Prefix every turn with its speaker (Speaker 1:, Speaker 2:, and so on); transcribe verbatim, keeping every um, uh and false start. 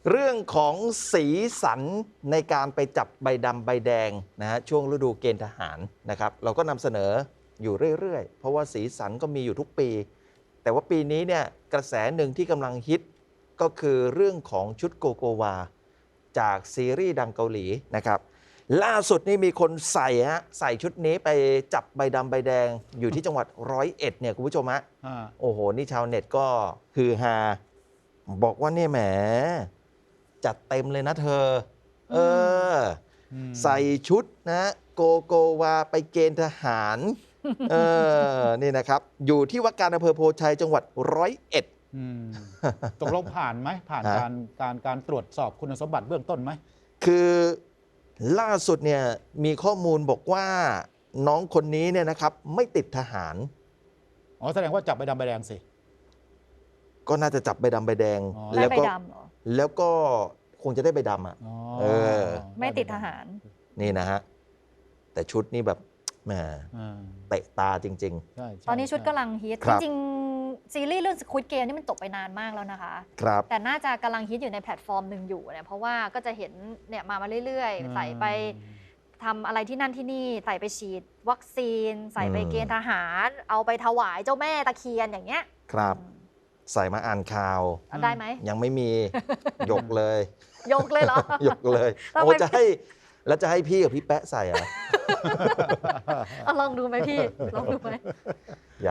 Speaker 1: เรื่องของสีสันในการไปจับใบดำใบแดงนะฮะช่วงฤดูเกณฑ์ทหารนะครับเราก็นำเสนออยู่เรื่อยๆ เพราะว่าสีสันก็มีอยู่ทุกปี แต่ว่าปีนี้เนี่ยกระแสหนึ่งที่กำลังฮิตก็คือเรื่องของชุดโกโกวาจากซีรีส์ดังเกาหลีนะครับล่าสุดนี่มีคนใส่ฮะใส่ชุดนี้ไปจับใบดำใบแดงอยู่ที่จังหวัดร้อยเอ็ดเนี่ยคุณผู้ชมฮะโอ้โหนี่ชาวเน็ตก็ฮือฮาบอกว่าเนี่ยแหมจัดเต็มเลยนะเธอเออใส่ชุดนะโกโกวาไปเกณฑ์ทหารเออนี่นะครับอยู่ที่ว่าการอำเภอโพชัยจังหวัดร้อยเอ็ด
Speaker 2: ตกลงผ่านไหมผ่านการการการตรวจสอบคุณสมบัติเบื้องต้นไหม
Speaker 1: คือล่าสุดเนี่ยมีข้อมูลบอกว่าน้องคนนี้เนี่ยนะครับไม่ติดทหาร
Speaker 2: อ๋อแสดงว่าจับใบดำใบแดงสิ
Speaker 1: ก็น่าจะจับใบดำใบแดง
Speaker 3: แล้วก็
Speaker 1: แล้วก็คงจะได้ใบดำอ่ะเออ
Speaker 3: ไม่ติดทหาร
Speaker 1: นี่นะฮะแต่ชุดนี้แบบแหมเตะตาจริง
Speaker 3: ๆตอนนี้ชุดกำลังฮิตจริงๆซีรีส์เรื่อง Squid Game นี่มันจบไปนานมากแล้วนะคะ
Speaker 1: ครับ
Speaker 3: แต่น่าจะกำลังฮิตอยู่ในแพลตฟอร์มหนึ่งอยู่เนี่ยเพราะว่าก็จะเห็นเนี่ยมามาเรื่อยๆใส่ไปทำอะไรที่นั่นที่นี่ใส่ไปฉีดวัคซีนใส่ไปเกณฑ์ทหารเอาไปถวายเจ้าแม่ตะเคียนอย่างเงี้ย
Speaker 1: ครับใส่มาอ่านข่าว
Speaker 3: ได้ไหม
Speaker 1: ยังไม่มียกเลย
Speaker 3: ยกเลยเหรอย
Speaker 1: กเลยโอ้จะให้แล้วจะให้พี่กับพี่แป๊ะใส่เหรอ
Speaker 3: ลองดูไหมพี่ลองดูไหม